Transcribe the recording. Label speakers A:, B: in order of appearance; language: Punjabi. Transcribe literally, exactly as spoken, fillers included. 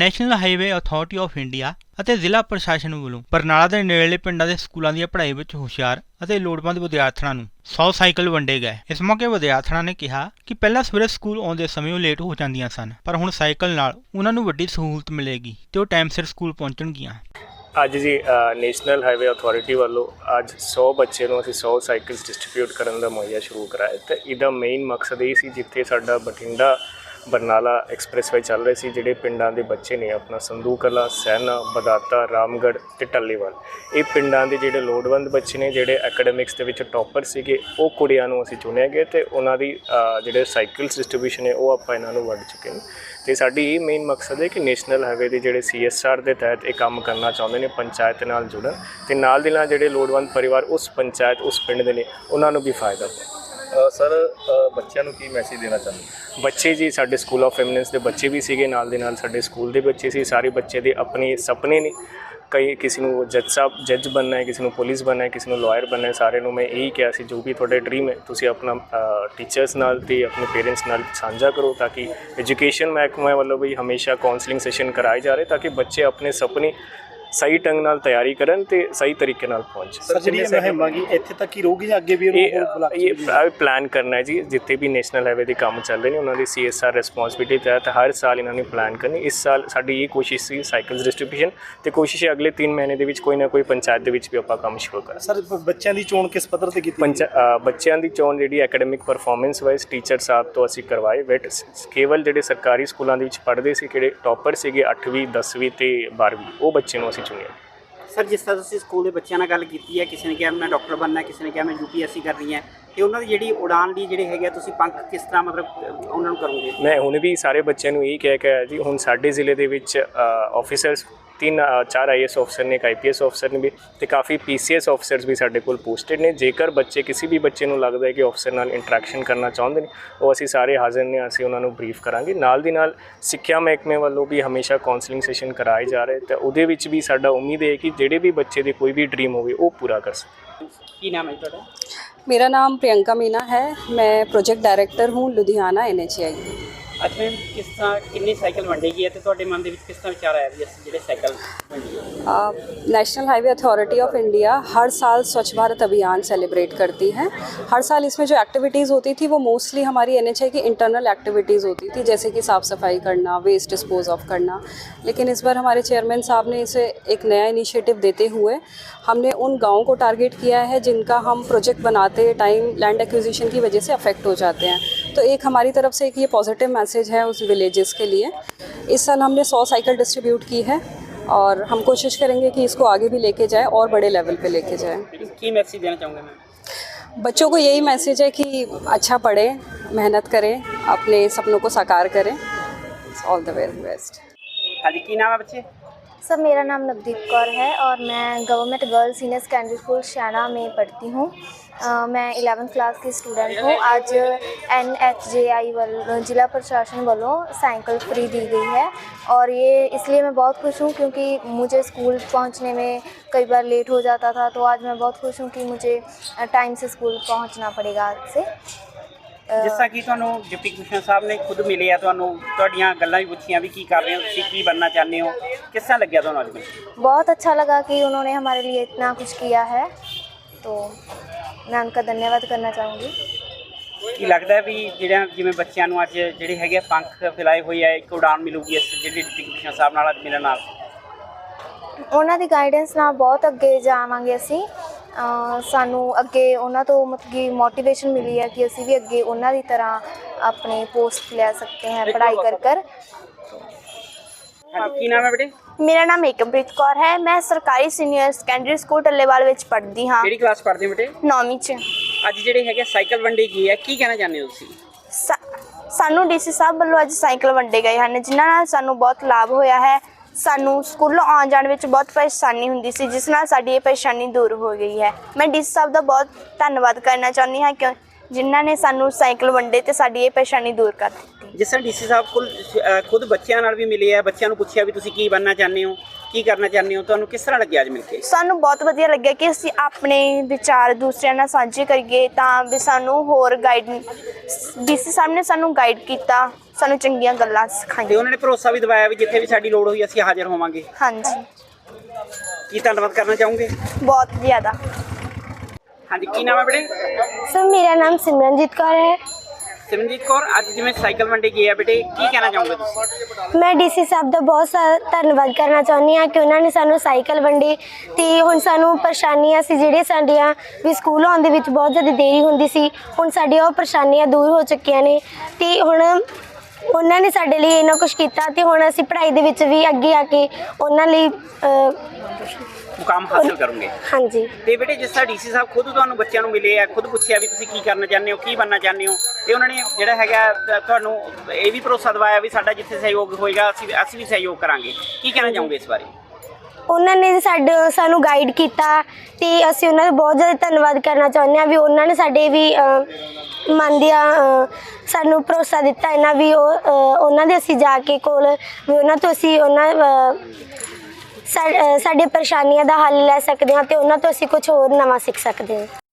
A: National highway authority of India ਅਤੇ ਜ਼ਿਲ੍ਹਾ ਪ੍ਰਸ਼ਾਸਨ ਵੱਲੋਂ ਬਰਨਾਲਾ ਦੇ ਨੇੜਲੇ ਪਿੰਡਾਂ ਦੇ ਸਕੂਲਾਂ ਦੀ ਪੜ੍ਹਾਈ ਵਿੱਚ ਹੁਸ਼ਿਆਰ ਅਤੇ ਲੋੜਵੰਦ ਵਿਦਿਆਰਥੀਆਂ ਨੂੰ ਸੌ ਸਾਈਕਲ ਵੰਡੇ ਗਏ। ਇਸ ਮੌਕੇ ਵਿਦਿਆਰਥੀਆਂ ਨੇ ਕਿਹਾ ਕਿ ਪਹਿਲਾਂ ਸਵੇਰੇ ਸਕੂਲ ਆਉਂਦੇ ਸਮੇਂ ਉਹ ਲੇਟ ਹੋ ਜਾਂਦੀਆਂ ਸਨ, ਪਰ ਹੁਣ ਸਾਈਕਲ ਨਾਲ ਉਹਨਾਂ ਨੂੰ ਵੱਡੀ ਸਹੂਲਤ ਮਿਲੇਗੀ ਤੇ ਉਹ ਟਾਈਮ ਸਿਰ ਸਕੂਲ ਪਹੁੰਚਣਗੀਆਂ।
B: ਅੱਜ ਜੀ ਨੈਸ਼ਨਲ ਹਾਈਵੇ ਅਥਾਰਟੀ ਵੱਲੋਂ ਅੱਜ ਸੌ ਬੱਚੇ ਨੂੰ ਅਸੀਂ ਸੌ ਸਾਈਕਲਸ ਡਿਸਟਰੀਬਿਊਟ ਕਰਨ ਦਾ ਮੁਹੱਈਆ ਸ਼ੁਰੂ ਕਰਾਇਆ ਤੇ ਇਹਦਾ ਮੇਨ ਮਕਸਦ ਇਹ ਸੀ, ਜਿੱਥੇ ਸਾਡਾ ਬਠਿੰਡਾ ਬਰਨਾਲਾ ਐਕਸਪ੍ਰੈਸ ਵੇ ਚੱਲ ਰਹੇ ਸੀ, ਜਿਹੜੇ ਪਿੰਡਾਂ ਦੇ ਬੱਚੇ ਨੇ ਆਪਣਾ ਸੰਧੂ ਕਲਾਂ, ਸੈਨਾ, ਬਦਾਤਾ, ਰਾਮਗੜ੍ਹ ਤੇ ਟੱਲੀਵਾਲ, ਇਹ ਪਿੰਡਾਂ ਦੇ ਜਿਹੜੇ ਲੋੜਵੰਦ ਬੱਚੇ ਨੇ, ਜਿਹੜੇ ਐਕੈਡਮਿਕਸ ਦੇ ਵਿੱਚ ਟੌਪਰ ਸੀਗੇ, ਉਹ ਕੁੜੀਆਂ ਨੂੰ ਅਸੀਂ ਚੁਣਿਆ ਗਿਆ ਤੇ ਉਹਨਾਂ ਦੀ ਜਿਹੜੇ ਸਾਈਕਲਸ ਡਿਸਟਰੀਬਿਊਸ਼ਨ ਹੈ ਉਹ ਆਪਾਂ ਇਹਨਾਂ ਨੂੰ ਵੰਡ ਚੁੱਕੇ ਨੇ। ਤੇ ਸਾਡੀ ਇਹ ਮੇਨ ਮਕਸਦ ਹੈ ਕਿ ਨੈਸ਼ਨਲ ਹਾਈਵੇ ਦੇ ਜਿਹੜੇ ਸੀ ਐਸ ਆਰ ਦੇ ਤਹਿਤ ਇਹ ਕੰਮ ਕਰਨਾ ਚਾਹੁੰਦੇ ਨੇ, ਪੰਚਾਇਤ ਨਾਲ ਜੁੜਨ ਤੇ ਨਾਲ ਦੇ ਨਾਲ ਜਿਹੜੇ ਲੋੜਵੰਦ ਪਰਿਵਾਰ ਉਸ ਪੰਚਾਇਤ ਉਸ ਪਿੰਡ ਦੇ ਨੇ ਉਹਨਾਂ ਨੂੰ ਵੀ ਫਾਇਦਾ ਹੋਵੇ।
C: ਸਰ ਬੱਚਿਆਂ ਨੂੰ ਕੀ ਮੈਸੇਜ ਦੇਣਾ ਚਾਹੁੰਦੇ?
B: ਬੱਚੇ ਜੀ ਸਾਡੇ ਸਕੂਲ ਆਫ ਫੈਮਿਨੈਂਸ ਦੇ ਬੱਚੇ ਵੀ ਸੀਗੇ, ਨਾਲ ਦੇ ਨਾਲ ਸਾਡੇ ਸਕੂਲ ਦੇ ਬੱਚੇ ਸੀ। ਸਾਰੇ ਬੱਚੇ ਦੇ ਆਪਣੇ ਸੁਪਨੇ ਨੇ, ਕਈ ਕਿਸੇ ਨੂੰ ਜੱਜ ਸਾਹਿਬ ਜੱਜ ਬਣਨਾ ਹੈ, ਕਿਸੇ ਨੂੰ ਪੁਲਿਸ ਬਣਨਾ ਹੈ, ਕਿਸੇ ਨੂੰ ਲਾਇਰ ਬਣਨਾ ਹੈ। ਸਾਰੇ ਨੂੰ ਮੈਂ ਇਹੀ ਕਿਹਾ ਸੀ, ਜੋ ਵੀ ਤੁਹਾਡੇ ਡਰੀਮ ਹੈ ਤੁਸੀਂ ਆਪਣਾ ਟੀਚਰਸ ਨਾਲ ਤੇ ਆਪਣੇ ਪੇਰੈਂਟਸ ਨਾਲ ਸਾਂਝਾ ਕਰੋ, ਤਾਂ ਕਿ ਐਜੂਕੇਸ਼ਨ ਮਹਿਕਮੇ ਵੱਲੋਂ ਵੀ ਹਮੇਸ਼ਾ ਕਾਉਂਸਲਿੰਗ ਸੈਸ਼ਨ ਕਰਾਏ ਜਾ ਰਹੇ ਤਾਂ ਕਿ ਬੱਚੇ ਆਪਣੇ ਸੁਪਨੇ ਸਹੀ ਢੰਗ ਨਾਲ ਤਿਆਰੀ ਕਰਨ ਤੇ ਸਹੀ ਤਰੀਕੇ ਨਾਲ ਪਹੁੰਚ।
C: ਸਰ ਜਿਹੜੀ ਮੁਹਿੰਮ ਹੈਗੀ ਇੱਥੇ ਤੱਕ ਹੀ ਰਹੂਗੀ ਜਾਂ ਅੱਗੇ ਵੀ
B: ਇਹ ਪਲਾਨ ਕਰਨਾ ਹੈ ਜੀ, ਜਿੱਥੇ ਵੀ ਨੈਸ਼ਨਲ ਹਾਈਵੇ ਦੇ ਕੰਮ ਚੱਲ ਰਹੇ ਨੇ ਉਹਨਾਂ ਦੀ ਸੀ ਐਸ ਆਰ ਰਿਸਪੌਂਸਿਬਿਲਿਟੀ ਤਹਿਤ ਹਰ ਸਾਲ ਇਹਨਾਂ ਨੇ ਪਲਾਨ ਕਰਨੀ। ਇਸ ਸਾਲ ਸਾਡੀ ਇਹ ਕੋਸ਼ਿਸ਼ ਸੀ ਸਾਈਕਲਸ ਡਿਸਟਰੀਬਿਊਸ਼ਨ ਤੇ ਕੋਸ਼ਿਸ਼ ਹੈ ਅਗਲੇ ਤਿੰਨ ਮਹੀਨੇ ਦੇ ਵਿੱਚ ਕੋਈ ਨਾ ਕੋਈ ਪੰਚਾਇਤ ਦੇ ਵਿੱਚ ਵੀ ਆਪਾਂ ਕੰਮ ਸ਼ੁਰੂ ਕਰਾਂ।
C: ਸਰ ਬੱਚਿਆਂ ਦੀ ਚੋਣ ਕਿਸ ਪੱਧਰ ਤੇ ਕੀਤੀ?
B: ਪੰਚਾ ਬੱਚਿਆਂ ਦੀ ਚੋਣ ਜਿਹੜੀ ਐਕੈਡਮਿਕ ਪਰਫਾਰਮੈਂਸ ਵਾਈਜ਼ ਟੀਚਰ ਸਾਹਿਬ ਤੋਂ ਅਸੀਂ ਕਰਵਾਏ। ਬਟ ਕੇਵਲ ਜਿਹੜੇ ਸਰਕਾਰੀ ਸਕੂਲਾਂ ਦੇ ਵਿੱਚ ਪੜ੍ਹਦੇ ਸੀ, ਕਿਹੜੇ ਟੌਪਰ ਸੀਗੇ ਅੱਠਵੀਂ ਦਸਵੀਂ ਤੇ ਬਾਰ੍ਹਵੀਂ, ਉਹ ਬੱਚੇ ਨੂੰ ਅਸੀਂ ਚੁਣਿਆ।
D: ਸਰ ਜਿਸ ਤਰ੍ਹਾਂ ਤੁਸੀਂ ਸਕੂਲ ਦੇ ਬੱਚਿਆਂ ਨਾਲ ਗੱਲ ਕੀਤੀ ਹੈ, ਕਿਸੇ ਨੇ ਕਿਹਾ ਮੈਂ ਡਾਕਟਰ ਬਣਨਾ, ਕਿਸੇ ਨੇ ਕਿਹਾ ਮੈਂ ਯੂ ਪੀ ਐਸ ਸੀ ਕਰਨੀ ਹੈ, ਤੇ ਉਹਨਾਂ ਦੀ ਜਿਹੜੀ ਉਡਾਨ ਲਈ ਜਿਹੜੇ ਹੈਗੇ ਤੁਸੀਂ ਪੰਖ ਕਿਸ ਤਰ੍ਹਾਂ ਮਤਲਬ ਉਹਨਾਂ ਨੂੰ ਕਰੋਗੇ?
B: ਮੈਂ ਹੁਣ ਵੀ ਸਾਰੇ ਬੱਚਿਆਂ ਨੂੰ ਇਹੀ ਕਹਿ ਕੇ ਆਇਆ ਜੀ, ਹੁਣ ਸਾਡੇ ਜ਼ਿਲ੍ਹੇ ਦੇ ਵਿੱਚ ਆਫਿਸਰਸ ਤਿੰਨ ਚਾਰ ਆਈ ਐਸ ਆਫਿਸਰ ਨੇ, ਇੱਕ ਆਈ ਪੀ ਐਸ ਆਫਿਸਰ ਨੇ ਵੀ ਤੇ ਕਾਫੀ ਪੀ ਸੀ ਐਸ ਆਫਿਸਰਸ ਵੀ ਸਾਡੇ ਕੋਲ ਪੋਸਟਡ ਨੇ। ਜੇਕਰ ਬੱਚੇ ਕਿਸੇ ਵੀ ਬੱਚੇ ਨੂੰ ਲੱਗਦਾ ਹੈ ਕਿ ਆਫਿਸਰ ਨਾਲ ਇੰਟਰੈਕਸ਼ਨ ਕਰਨਾ ਚਾਹੁੰਦੇ ਨੇ, ਉਹ ਅਸੀਂ ਸਾਰੇ ਹਾਜ਼ਰ ਨੇ, ਅਸੀਂ ਉਹਨਾਂ ਨੂੰ ਬਰੀਫ ਕਰਾਂਗੇ। ਨਾਲ ਦੀ ਨਾਲ ਸਿੱਖਿਆ ਮਹਿਕਮੇ ਵੱਲੋਂ ਵੀ ਹਮੇਸ਼ਾ ਕਾਉਂਸਲਿੰਗ ਸੈਸ਼ਨ ਕਰਾਏ ਜਾ ਰਹੇ ਤੇ ਉਹਦੇ ਵਿੱਚ ਵੀ ਸਾਡਾ ਉਮੀਦ ਹੈ ਕਿ ਜਿਹੜੇ ਵੀ ਬੱਚੇ ਦੇ ਕੋਈ ਵੀ ਡਰੀਮ ਹੋਵੇ ਉਹ ਪੂਰਾ ਕਰ ਸਕੇ।
D: ਕੀ ਨਾਮ ਹੈ ਤੁਹਾਡਾ?
E: मेरा नाम प्रियंका मीना है, मैं प्रोजेक्ट डायरेक्टर हूँ लुधियाना एन एच आई।
D: ਅੱਜ ਮੈਮ ਕਿਸ ਤਰ੍ਹਾਂ ਕਿੰਨੀ ਸਾਈਕਲ ਵੰਡੇਗੀ ਅਤੇ ਤੁਹਾਡੇ ਮਨ ਦੇ ਵਿੱਚ ਕਿਸ ਤਰ੍ਹਾਂ ਵਿਚਾਰ ਆਇਆ ਵੀ ਅਸੀਂ ਜਿਹੜੇ ਸਾਈਕਲ ਵੰਡੀਏ?
E: National highway authority of India हर साल स्वच्छ भारत अभियान सेलिब्रेट करती है। हर साल इसमें जो एक्टिविटीज़ होती थी वो मोस्टली हमारी एन एच आई की इंटरनल एक्टिविटीज़ होती थी, जैसे कि साफ़ सफाई करना, वेस्ट डिस्पोज ऑफ करना। लेकिन इस बार हमारे चेयरमैन साहब ने इसे एक नया इनिशिएटिव देते हुए हमने उन गाँवों को टारगेट किया है जिनका हम प्रोजेक्ट बनाते टाइम लैंड एक्विजिशन की वजह से अफेक्ट हो जाते हैं। तो एक हमारी तरफ से एक ये पॉजिटिव मैसेज है उस विलेजेस के लिए। इस साल हमने सौ साइकिल डिस्ट्रीब्यूट की है और हम कोशिश करेंगे कि इसको आगे भी लेके जाएं और बड़े लेवल पे लेके जाएं।
D: की मैसेज देना चाहूँगा मैं?
E: बच्चों को यही मैसेज है कि अच्छा पढ़ें, मेहनत करें, अपने सपनों को साकार करें। All the very best.
D: हाँ जी, की नाम है बच्चे?
F: सर मेरा नाम नवदीप कौर है और मैं government girls senior secondary school Shaina में पढ़ती हूँ। मैं इलेवेंथ क्लास की स्टूडेंट हूँ। आज एन एच जे आई वालों जिला प्रशासन वालों साइकिल फ्री दी गई है और ये इसलिए मैं बहुत खुश हूँ क्योंकि मुझे स्कूल पहुँचने में कई बार लेट हो जाता था। तो आज मैं बहुत खुश हूँ कि मुझे टाइम से स्कूल पहुँचना पड़ेगा आज से।
D: ਜਿਸ ਤਰ੍ਹਾਂ ਕਿ ਤੁਹਾਨੂੰ ਡਿਪਟੀ ਕਮਿਸ਼ਨਰ ਸਾਹਿਬ ਨੇ ਖੁਦ ਮਿਲੇ ਆ, ਤੁਹਾਨੂੰ ਤੁਹਾਡੀਆਂ ਗੱਲਾਂ ਵੀ ਪੁੱਛੀਆਂ ਵੀ ਕੀ ਕਰ ਰਹੇ ਹੋ ਤੁਸੀਂ, ਕੀ ਬਣਨਾ ਚਾਹੁੰਦੇ ਹੋ, ਕਿਸ ਤਰ੍ਹਾਂ ਲੱਗਿਆ ਤੁਹਾਨੂੰ ਅੱਜ?
F: बहुत अच्छा लगा कि उन्होंने हमारे लिए इतना कुछ किया है, तो मैं उनका धन्यवाद करना चाहूँगी।
D: ਕੀ ਲੱਗਦਾ ਵੀ ਜਿਹੜਾ ਜਿਵੇਂ ਬੱਚਿਆਂ ਨੂੰ ਅੱਜ ਜਿਹੜੇ ਹੈਗੇ ਪੰਖ ਫੈਲਾਏ ਹੋਏ ਆ, ਇੱਕ ਉਡਾਨ ਮਿਲੂਗੀ ਇਸ ਜਿਹੜੀ ਡਿਪਟੀ ਕਮਿਸ਼ਨਰ ਸਾਹਿਬ ਨਾਲ ਅੱਜ ਮਿਲਣ ਨਾਲ?
F: ਉਹਨਾਂ ਦੀ ਗਾਈਡੈਂਸ ਨਾਲ ਬਹੁਤ ਅੱਗੇ ਜਾਵਾਂਗੇ ਅਸੀਂ। ਸਾਨੂੰ ਅੱਗੇ ਉਹਨਾਂ ਤੋਂ ਮਤਲਬ ਕਿ ਮੋਟੀਵੇਸ਼ਨ ਮਿਲੀ ਹੈ ਕਿ ਅਸੀਂ ਵੀ ਅੱਗੇ ਉਹਨਾਂ ਦੀ ਤਰ੍ਹਾਂ ਆਪਣੇ ਪੋਸਟ ਲੈ ਸਕਦੇ ਹਾਂ ਪੜ੍ਹਾਈ ਕਰ ਕਰ।
D: ਕੀ ਨਾਮ ਹੈ ਬੇਟੇ?
G: ਮੇਰਾ ਨਾਮ ਏਕਮਪ੍ਰੀਤ ਕੌਰ ਹੈ। ਮੈਂ ਸਰਕਾਰੀ ਸੀਨੀਅਰ ਸੈਕੰਡਰੀ ਸਕੂਲ ਟੱਲੇਵਾਲ ਵਿੱਚ ਪੜ੍ਹਦੀ ਹਾਂ।
D: ਕਿਹੜੀ ਕਲਾਸ ਪੜ੍ਹਦੇ ਹੋ ਬੇਟੇ?
G: ਨੌਵੀਂ 'ਚ।
D: ਅੱਜ ਜਿਹੜੇ ਹੈਗੇ ਸਾਈਕਲ ਵੰਡੀ ਗਈ ਹੈ, ਕੀ ਕਹਿਣਾ ਚਾਹੁੰਦੇ ਹੋ ਤੁਸੀਂ?
G: ਸਾਨੂੰ ਡੀ ਸੀ ਸਾਹਿਬ ਵੱਲੋਂ ਅੱਜ ਸਾਈਕਲ ਵੰਡੇ ਗਏ ਹਨ, ਜਿਨ੍ਹਾਂ ਨਾਲ ਸਾਨੂੰ ਬਹੁਤ ਲਾਭ ਹੋਇਆ ਹੈ। ਸਾਨੂੰ ਸਕੂਲੋਂ ਆਉਣ ਜਾਣ ਵਿੱਚ ਬਹੁਤ ਪਰੇਸ਼ਾਨੀ ਹੁੰਦੀ ਸੀ, ਜਿਸ ਨਾਲ ਸਾਡੀ ਇਹ ਪਰੇਸ਼ਾਨੀ ਦੂਰ ਹੋ ਗਈ ਹੈ। ਮੈਂ ਡੀ ਸੀ ਸਾਹਿਬ ਦਾ ਬਹੁਤ ਧੰਨਵਾਦ ਕਰਨਾ ਚਾਹੁੰਦੀ ਹਾਂ ਕਿ ਜਿਨ੍ਹਾਂ ਨੇ ਸਾਨੂੰ ਸਾਈਕਲ ਵੰਡੇ ਅਤੇ ਸਾਡੀ ਇਹ ਪਰੇਸ਼ਾਨੀ ਦੂਰ ਕਰ ਦਿੱਤੀ।
D: ਜਿਸ ਤਰ੍ਹਾਂ ਡੀ ਸੀ ਸਾਹਿਬ ਕੋਲ ਖੁਦ ਬੱਚਿਆਂ ਨਾਲ ਵੀ ਮਿਲੇ ਆ, ਬੱਚਿਆਂ ਨੂੰ ਪੁੱਛਿਆ ਵੀ ਤੁਸੀਂ ਕੀ ਬਣਨਾ ਚਾਹੁੰਦੇ ਹੋ, ਕੀ ਕਰਨਾ ਚਾਹੁੰਦੇ ਹੋ? ਤੁਹਾਨੂੰ ਕਿਸ ਤਰ੍ਹਾਂ ਲੱਗਿਆ ਅੱਜ ਮਿਲ ਕੇ?
G: ਸਾਨੂੰ ਬਹੁਤ ਵਧੀਆ ਲੱਗਿਆ ਕਿ ਅਸੀਂ ਆਪਣੇ ਵਿਚਾਰ ਦੂਸਰਿਆਂ ਨਾਲ ਸਾਂਝੇ ਕਰੀਏ, ਤਾਂ ਵੀ ਸਾਨੂੰ ਹੋਰ ਗਾਈਡ ਡੀਸੀ ਸਾਹਿਬ ਨੇ ਸਾਨੂੰ ਗਾਈਡ ਕੀਤਾ, ਸਾਨੂੰ ਚੰਗੀਆਂ ਗੱਲਾਂ
D: ਤੇ
G: ਸਿਖਾਈਆਂ।
D: ਉਹਨਾਂ ਨੇ ਭਰੋਸਾ ਵੀ ਦਿਵਾਇਆ ਵੀ ਜਿੱਥੇ ਵੀ ਸਾਡੀ ਲੋੜ ਹੋਈ ਅਸੀਂ ਹਾਜ਼ਰ ਹੋਵਾਂਗੇ।
G: ਹਾਂਜੀ,
D: ਕੀ ਧੰਨਵਾਦ ਕਰਨਾ ਚਾਹੋਗੇ?
G: ਬਹੁਤ ਜ਼ਿਆਦਾ।
D: ਹਾਂਜੀ, ਕੀ ਨਾਮ ਹੈ ਬੇਟੇ?
F: ਸਰ ਮੇਰਾ ਨਾਮ ਸਿਮਰਨਜੀਤ ਕੌਰ ਹੈ।
D: ਸਿਮਰਨਜੀਤ ਕੌਰ, ਅੱਜ ਜਿਵੇਂ ਸਾਈਕਲ ਵੰਡੇ ਗਏ ਆ ਬੇਟੇ, ਕੀ ਕਹਿਣਾ ਚਾਹੋਗੇ ਤੁਸੀਂ?
F: ਮੈਂ ਡੀਸੀ ਸਾਹਿਬ ਦਾ ਬਹੁਤ ਸਾਰਾ ਧੰਨਵਾਦ ਕਰਨਾ ਚਾਹੁੰਦੀ ਹਾਂ ਕਿ ਉਹਨਾਂ ਨੇ ਸਾਨੂੰ ਸਾਈਕਲ ਵੰਡੇ, ਤੇ ਹੁਣ ਸਾਨੂੰ ਪਰੇਸ਼ਾਨੀਆਂ ਸੀ ਜਿਹੜੀਆਂ ਸਾਡੀਆਂ ਵੀ ਸਕੂਲ ਆਉਣ ਦੇ ਵਿੱਚ ਬਹੁਤ ਜ਼ਿਆਦਾ ਦੇਰੀ ਹੁੰਦੀ ਸੀ, ਹੁਣ ਸਾਡੀਆਂ ਉਹ ਪਰੇਸ਼ਾਨੀਆਂ ਦੂਰ ਹੋ ਚੁੱਕੀਆਂ ਨੇ, ਤੇ ਹੁਣ ਉਹਨਾਂ ਨੇ ਸਾਡੇ ਲਈ ਇੰਨਾ ਕੁਝ ਕੀਤਾ, ਤੇ ਹੁਣ ਅਸੀਂ ਪੜ੍ਹਾਈ ਦੇ ਵਿੱਚ ਵੀ ਅੱਗੇ ਆ ਕੇ ਉਹਨਾਂ ਲਈ ਅ,
D: ਮੁਕਾਮ ਹਾਸਲ ਕਰੋਗੇ।
F: ਹਾਂਜੀ।
D: ਤੇ ਬੇਟੇ, ਜਿਸ ਤਰ੍ਹਾਂ ਡੀਸੀ ਸਾਹਿਬ ਖੁਦ ਤੁਹਾਨੂੰ ਬੱਚਿਆਂ ਨੂੰ ਮਿਲੇ ਆ, ਖੁਦ ਪੁੱਛਿਆ ਵੀ ਤੁਸੀਂ ਕੀ ਕਰਨਾ ਚਾਹੁੰਦੇ ਹੋ, ਕੀ ਬਣਨਾ ਚਾਹੁੰਦੇ ਹੋ, ਤੇ ਉਹਨਾਂ ਨੇ ਜਿਹੜਾ ਹੈਗਾ ਤ- ਤੁਹਾਨੂੰ ਇਹ ਵੀ ਭਰੋਸਾ ਦਿਵਾਇਆ ਵੀ ਸਾਡਾ ਜਿੱਥੇ ਸਹਿਯੋਗ ਹੋਏਗਾ ਅਸੀਂ ਅਸੀਂ ਵੀ ਸਹਿਯੋਗ ਕਰਾਂਗੇ। ਕੀ ਕਹਿਣਾ ਚਾਹੋਗੇ ਇਸ ਬਾਰੇ?
F: ਉਹਨਾਂ ਨੇ ਸਾਡੇ ਸਾਨੂੰ ਗਾਈਡ ਕੀਤਾ, ਤੇ ਅਸੀਂ ਉਹਨਾਂ ਦਾ ਬਹੁਤ ਜ਼ਿਆਦਾ ਧੰਨਵਾਦ ਕਰਨਾ ਚਾਹੁੰਦੇ ਹਾਂ ਵੀ ਉਹਨਾਂ ਨੇ ਸਾਡੇ ਵੀ ਅ, ਮਨ ਦੀਆਂ ਅ, ਸਾਨੂੰ ਭਰੋਸਾ ਦਿੱਤਾ ਇਹਨਾਂ ਵੀ ਉਹ ਅ, ਉਹਨਾਂ ਦੇ ਅਸੀਂ ਜਾ ਕੇ ਕੋਲ ਵੀ ਉਹਨਾਂ ਤੋਂ ਅਸੀਂ ਉਹਨਾਂ ਅ, ਸਾ- ਅ, ਸਾਡੀਆਂ ਪਰੇਸ਼ਾਨੀਆਂ ਦਾ ਹੱਲ ਲੈ ਸਕਦੇ ਹਾਂ, ਤੇ ਉਹਨਾਂ ਤੋਂ ਅਸੀਂ ਕੁਝ ਹੋਰ ਨਵਾਂ ਸਿੱਖ ਸਕਦੇ ਹਾਂ।